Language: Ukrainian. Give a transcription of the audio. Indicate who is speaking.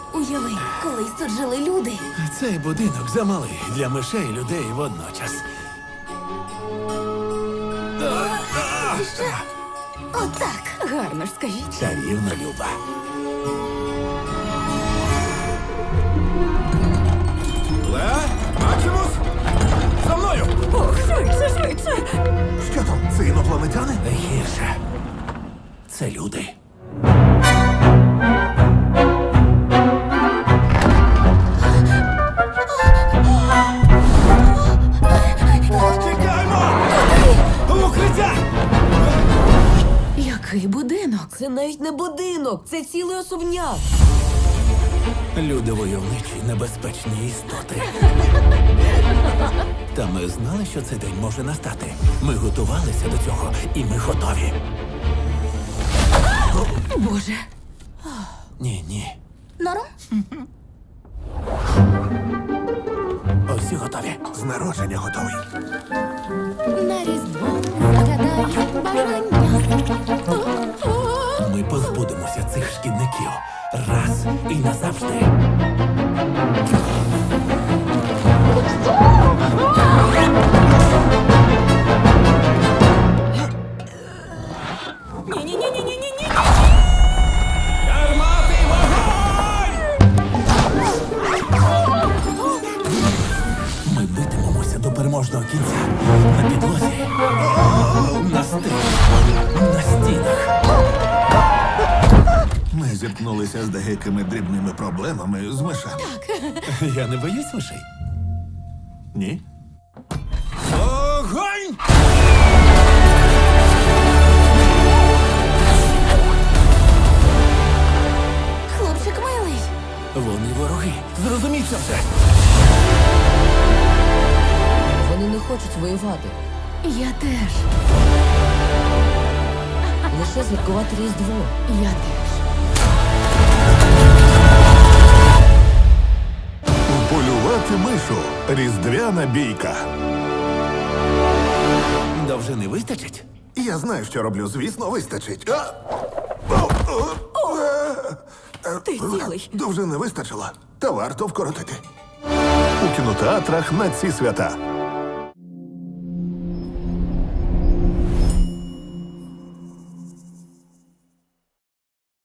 Speaker 1: Уяви, колись тут жили люди.
Speaker 2: Цей будинок замалий для мишей і людей водночас.
Speaker 1: Отак. Гарно ж скажіть.
Speaker 2: Чарівна Люба. Леа, Максимус! За мною!
Speaker 1: Ох, швидше, швидше.
Speaker 3: Що там? Це інопланетяни?
Speaker 2: Гірше. Це люди. Тікаймо! Укриття!
Speaker 1: Який будинок? Це навіть не будинок, це цілий особняк.
Speaker 2: Люди войовничі, небезпечні істоти. Та ми знали, що цей день може настати. Ми готувалися до цього, і ми готові.
Speaker 1: Боже.
Speaker 2: Ні.
Speaker 1: Норм?
Speaker 2: Усі готові.
Speaker 3: З народження готовий.
Speaker 1: На різдво загадай бажання.
Speaker 2: Ми позбудемося цих шкідників раз і назавжди.
Speaker 1: Ні-ні-ні-ні-ні-ні.
Speaker 2: Гармати, вогонь! Ми битимемося до переможного кінця. На підлозі, на стелі, на стінах.
Speaker 3: Ми зіткнулися з деякими дрібними проблемами з мишами.
Speaker 2: Я не боюсь мишей.
Speaker 3: Ні?
Speaker 2: Огонь!
Speaker 1: Хлопчик милий.
Speaker 2: Вони вороги. Зрозумій це все.
Speaker 4: Вони не хочуть воювати.
Speaker 1: Я теж.
Speaker 4: Лише святкувати Різдво.
Speaker 1: Я теж.
Speaker 3: Полювати мишу. Різдвяна бійка.
Speaker 2: Довжини вистачить?
Speaker 3: Я знаю, що роблю. Звісно, вистачить.
Speaker 1: Ти цілий.
Speaker 3: Довжини вистачило. Та варто вкоротити. У кінотеатрах на ці свята.